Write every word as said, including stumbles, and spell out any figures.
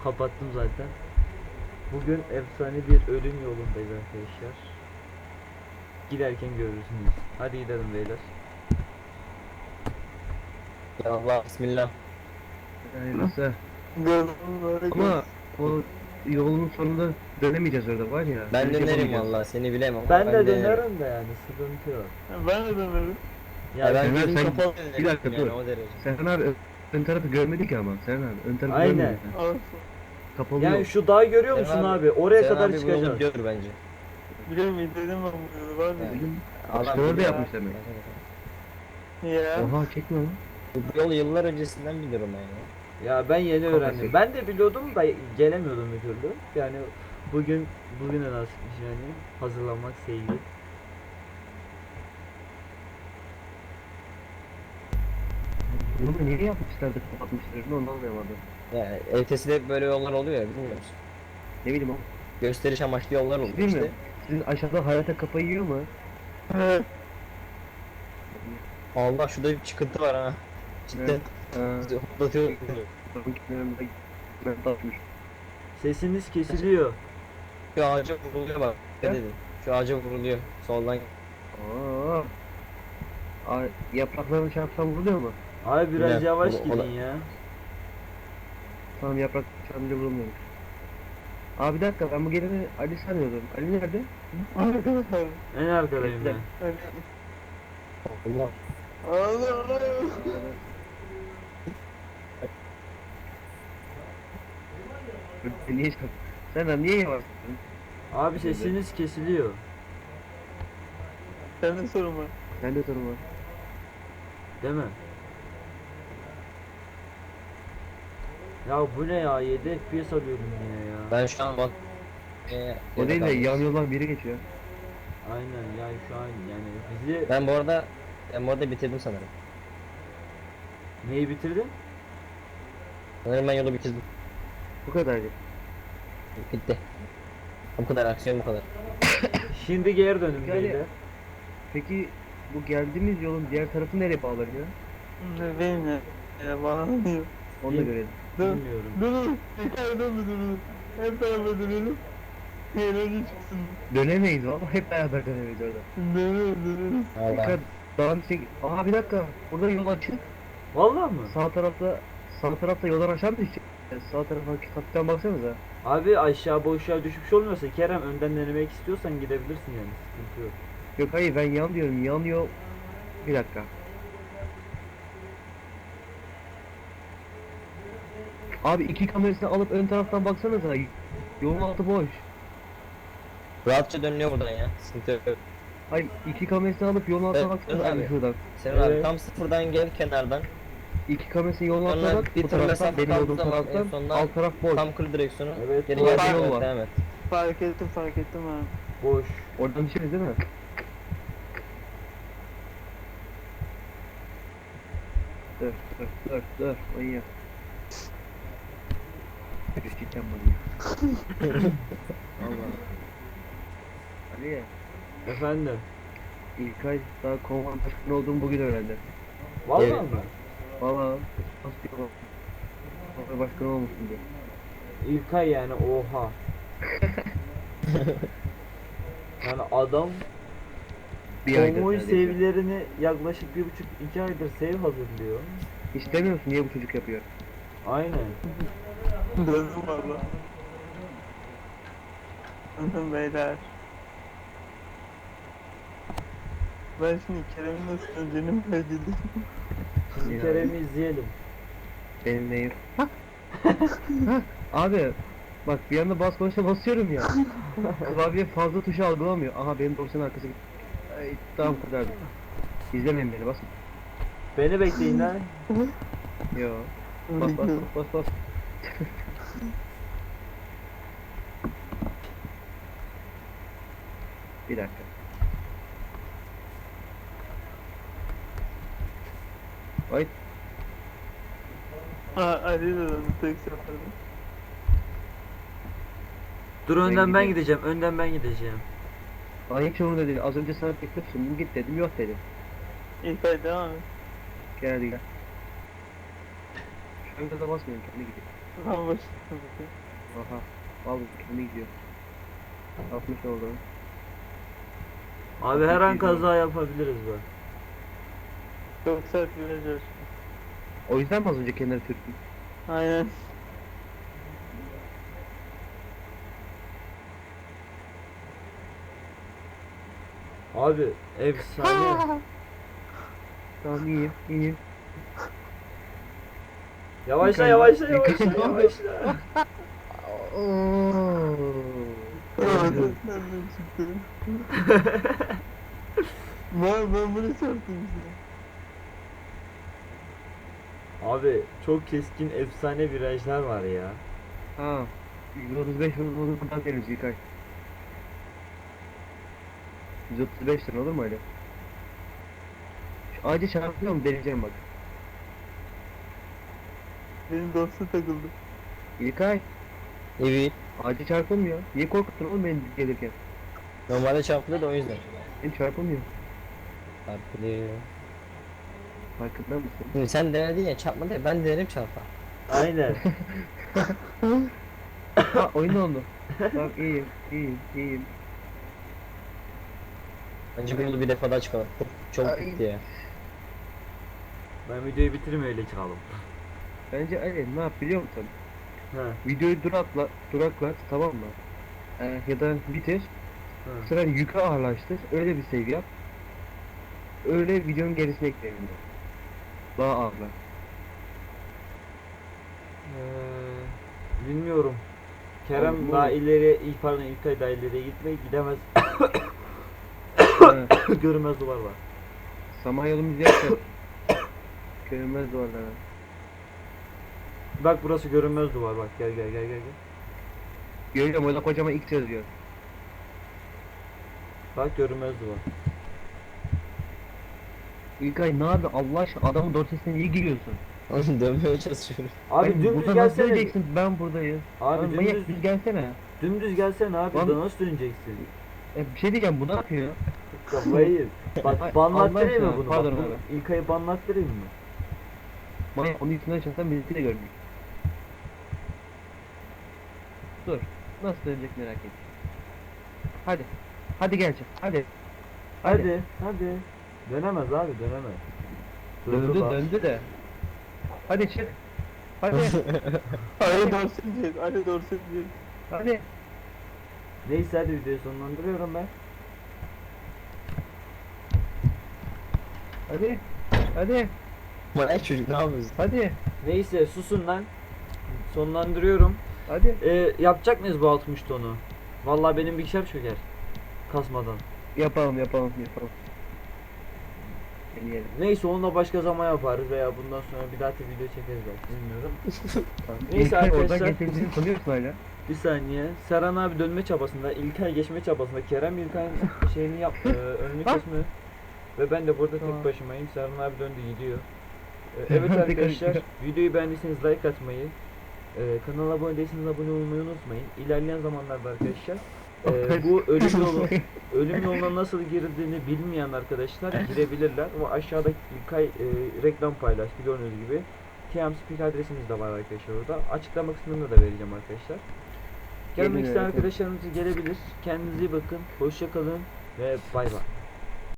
kapattım zaten. Bugün efsane bir ölüm yolundayız arkadaşlar. Giderken görürsünüz. Hadi gidelim beyler. Ya Allah bismillah. Hayırlısı. Gördüm böyle. Ama o yolun sonunda dönemeyeceğiz orada var ya. Ben dönüş dönerim yapamayacağız. vallahi seni bilemem. ama Ben de dönerim. dönerim de yani sıkıntı yok. Ben de dönerim. Ya, Ya ben Sen- gözüm sen- kapalı dönerim. bir dakika, yani, dur. o derece. Serhan abi ön, ön tarafı görmedik ama Serhan abi ön tarafı Aynen. görmedik. ha. Olsun. Kapalı yani yok. şu dağı görüyor musun Sen abi? Oraya Sen kadar abi bu yolu çıkacağız. gör bence. Biliyorum izledim ben bu yolu var ya. Dedim, Adam başkaları da biliyor. yapmış demek. Ya. Oha çekme lan. Bu yolu yıllar öncesinden biliyorum ben ya. Ya ben yeni Kafası. öğrendim. Ben de biliyordum da gelemiyordum bir türlü. Yani bugün bugüne nasipmiş yani hazırlanmak sevgili. Bunu da niye yapmışlardı kapatmışlar onu anlamadım. Ya E T S'de böyle yollar oluyor ya bilmiyor musun? Ne bileyim o. Gösteriş amaçlı yollar oluyor Değil işte. mi? Sizin aşağıda hayata kafayı yiyor mu? Evet. Allah şurada bir çıkıntı var ha. Cidden. Evet. Ha, Bizi hoplatıyor. bakın kimlerin de ben tatmış. Sesiniz kesiliyor. Şu ağaca vuruluyor bak. Ne He? dedim? Şu ağaca vuruluyor. Soldan. Aa. Ay, yapraklarını çarpsam vuruluyor mu? Abi biraz Güzel. yavaş O- o gidin da- ya. Tamam yaprak çarpınca vurulmuyormuş. Abi bir dakika ben bu geleni Ali sanıyordum. Ali nerede? Arkadaşlar. En arkadayım ben. Allah. Allah Allah. Niye çarp? Sen lan niye yavaş? Abi sesiniz kesiliyor. Senin sorun var. Ben de sorun var. Değil mi? Ya bu ne ya? yedi F P S alıyorum yine ya. Ben şu an bak. Ee, O değil de kaldım. yan yoldan biri geçiyor. Aynen yani şu an yani bizi Ben bu arada ben bu arada bitirdim sanırım. neyi bitirdin? Sanırım ben yolu bitirdim. Bu kadardı. Bitti. Bu kadar aksiyon bu kadar. Şimdi geri dönün Yani- beyler. Peki bu geldiğimiz yolun diğer tarafı nereye bağlanıyor? Ne benim ya. Ya bana ne diyor? Onu da Bil- görelim. Dur. Bilmiyorum. Dur dur. Tekrar dön bir dur. Hep beraber dönelim. Eğlence çıksın. Dönemeyiz valla hep beraber dönemeyiz orada. Dönelim dönelim. Allah. Dikkat dağın çek. Aha bir dakika. Burada yol açık. Vallahi mı? Sağ tarafta sağ tarafta yoldan aşağı mı düşecek? Sağ tarafa kaptan baksanıza. Abi aşağı boşluğa düşmüş olmuyorsa Kerem önden denemek istiyorsan gidebilirsin yani sıkıntı yok. Yok hayır ben yan diyorum. Yan yol. Bir dakika. Abi iki kamerasını alıp ön taraftan baksanıza. Yolun altı boş. Rahatça dönüyor buradan ya. Sıkıntı yok. Hayır iki kamerasını alıp yolun altına Evet, baksanıza evet abi abi. şuradan. Sen abi Evet. tam sıfırdan gel kenardan. İki kamerasını yolun altına Sonra bak. bir Bu tur taraftan mesafe benim kaldığı olduğum zaman en taraftan sonunda alt taraf boş. Tam kır direksiyonu. Evet, Geri doğru. gel. Yol Evet, var. devam et. Fark ettim fark ettim ha. Boş. Oradan düşeriz değil mi? Dur dur dur dur manyak. Cidden manyak. Allah. Ali Efendim. İlkay daha konvan başkanı olduğumu bugün öğrendim. Vallahi Evet. mı? Valla nasıl bir konvan konvan başkanı olmuşsun diye. İlkay yani oha. Yani adam Bir aydır konvoy neredeyse. sevgilerini yaklaşık bir buçuk iki aydır sev hazırlıyor. Hiç demiyor musun niye bu çocuk yapıyor? Aynen. Döndüm valla. Döndüm beyler. Ben şimdi Kerem'in nasıl döneceğini merak ediyorum. Şimdi Ya. Kerem'i izleyelim. Benim neyim? Hah. Hah. Abi bak bir anda bas konuşa basıyorum ya. Klavye fazla tuşu algılamıyor. Aha benim dosyanın arkası gitti. Ay, tamam kadardı. İzlemeyin beni basın. Beni bekleyin lan. Yo. Bas bas bas bas bas. Bir dakika. Ay Ha Ali de döndü tek seferde. Dur Ben önden ben gidiyorum. gideceğim. Önden ben gideceğim. bana hiç umurumda değil. Az önce sana teklif sundum git dedim yok dedim. İlk ay devam et. Gel hadi gel. Şu anda da basmıyorum kendi gidiyor. Tamam başladım. Aha. Al kendi gidiyor. altmış oldu. Abi her an kaza yapabiliriz bak. Çok sert viraj var. O yüzden mi az önce kenara sürttüm? Aynen. Abi efsane. Tamam iyiyim iyiyim. Yavaşla Yukarı- yavaşla yukarı- yavaşla yavaşla. Oo. Nereden çıktı? Ben, ben bunu çarptım işte. Abi çok keskin efsane virajlar var ya. Ha. yüz otuz beş olur olur buradan deriz İlkay. yüz otuz beş lira olur mu öyle? Şu ağaca çarpıyor mu deneyeceğim bak. Benim dorsa takıldı. İlkay Evet. ağaca çarpılmıyor. Niye korkuttun oğlum beni gelirken? Normalde çarpılır da o yüzden. Benim çarpılmıyor. Çarpılıyor. Farkında mısın? Şimdi sen denedin ya çarpma diye ben denerim çarpa. Aynen. Ha oyun oldu. Tamam iyiyim iyiyim iyiyim. Bence bu yolu bir defa daha çıkalım. Çok, çok Ay. gitti ya. Ben videoyu bitireyim öyle çıkalım. Bence Ali ne yap biliyor musun? Ha. Videoyu durakla, duraklat tamam mı? Ee, ya da bitir. Ha. Bu sefer yükü ağırlaştır. Öyle bir save yap. Öyle videonun gerisine ekleyelim. Daha ağırlar. Ee, bilmiyorum. Kerem Oğlum, daha oğlum. ileri, ilk pardon İlkay daha ileriye gitmeyi gidemez. Ha, Görünmez duvar var. Samanyolu'muz yakın. Görünmez duvarlara. Bak burası görünmez duvar bak gel gel gel gel gel. Görüyorum orada kocaman X yazıyor. Bak görünmez duvar. İlkay ne abi Allah aşkına adamın dorsesine niye giriyorsun? Oğlum dönmeye çalışıyorum. Abi Ben dümdüz burada nasıl gelsene. döneceksin? Ben buradayım. Abi Lan manyak dümdüz, düz gelsene. dümdüz gelsene abi Lan- da nasıl döneceksin? E, bir şey diyeceğim bu ne yapıyor? Kafayı. Ay, Bak banlattırayım mı Allah bunu? aşkına, Bak, pardon bunu İlkay'ı banlattırayım mı? Manyak onun üstüne çalışan birisi de gördük. Dur. Nasıl dönecek merak ettim. Hadi. Hadi gelecek. Hadi. Hadi hadi. Dönemez abi dönemez. Durdu Döndü bak. döndü de. Hadi çık. Hadi. Ali dorsa diyeceğiz. Ali dorsa diyeceğiz. Hadi. Neyse hadi videoyu sonlandırıyorum ben. Hadi. Hadi. Manyak çocuk ne yapıyorsun? Hadi. Neyse susun lan. Sonlandırıyorum. Hadi. Ee, yapacak mıyız bu altmış tonu? Vallahi benim bilgisayar çöker. Kasmadan. Yapalım yapalım yapalım. Deneyelim. Neyse onunla başka zaman yaparız veya bundan sonra bir daha da video çekeriz belki bilmiyorum. Tamam. Neyse İlkay arkadaşlar. Oradan getirdiğini sanıyorsun hala. Bir saniye. Serhan abi dönme çabasında, İlkay geçme çabasında, Kerem İlkay'ın şeyini yap, e, önünü Bak. kesme. Ve ben de burada Tamam. tek başımayım. Serhan abi döndü gidiyor. E, evet arkadaşlar, videoyu beğendiyseniz like atmayı, e, kanala abone değilseniz abone olmayı unutmayın. İlerleyen zamanlarda arkadaşlar, e, bu ölüm yolu ölüm yoluna nasıl girildiğini bilmeyen arkadaşlar girebilirler. O aşağıdaki İlkay e, reklam paylaştı gördüğünüz gibi. Teamspeak adresimiz de var arkadaşlar orada. Açıklama kısmında da vereceğim arkadaşlar. Gelmek Gelin, isteyen evet. arkadaşlarımız gelebilir. Kendinize iyi bakın. Hoşça kalın ve bay bay.